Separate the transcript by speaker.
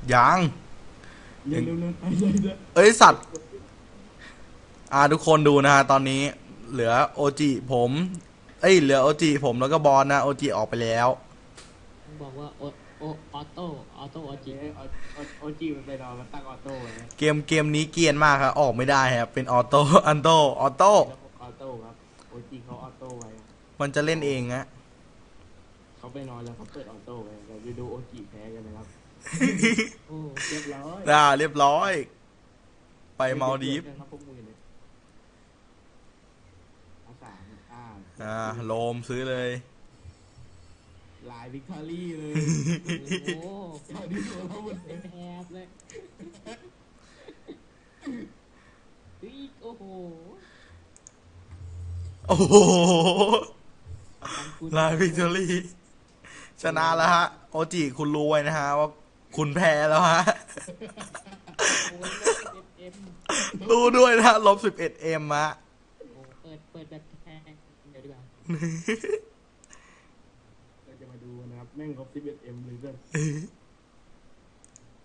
Speaker 1: ยัง
Speaker 2: เร็วเร็วเร็วไปเลยเด้อ
Speaker 1: เอ้ยสัตว์ทุกคนดูนะฮะตอนนี้เหลือโอจิผมเหลือโอจิผมแล้วก็บอลนะโอจิออกไปแล้ว
Speaker 3: ต้องบอกว่าโอออโต้ออ
Speaker 2: โอเค
Speaker 3: จิ
Speaker 2: โอจีมันไปนอนมันตั้งออโต้ไว้
Speaker 1: เกมนี้เกรียนมากครับออกไม่ได้ครับเป็นออโต้อันโตออโต้
Speaker 2: ระบบออโต้ครับโอจีเขาออโต้ไว้
Speaker 1: มันจะเล่นเองฮะ
Speaker 2: เขาไปนอนแล้วเขาเปิดออโต้ไว้เราจะดูโอจีแพ้กันนะครับ
Speaker 3: โอ้
Speaker 2: เรียบร้อย
Speaker 1: เรียบร้อยไปมาลดีฟ
Speaker 2: ครับพวกมือเลยอาสาม
Speaker 1: โลมซื้อเลย
Speaker 2: ลายวิกตอรี่เลย
Speaker 3: โห
Speaker 2: ตอนนี้ตัวเราหมดเลย
Speaker 3: แอบเลยโอ้โห
Speaker 1: โอ้โหลายวิกตอรี่ชนะแล้วฮะโอจิคุณรู้ไว้นะฮะว่าคุณแพ้แล้วฮะ
Speaker 3: โอ้ยเอ็ม
Speaker 1: รู้ด้วยนะ-11M ฮะ
Speaker 3: โอ้เปิดแบบแพงเดี๋ยวดีกว่า
Speaker 2: เราจะมาดูนะครับแม่งครบ 11M เลยเพื่อน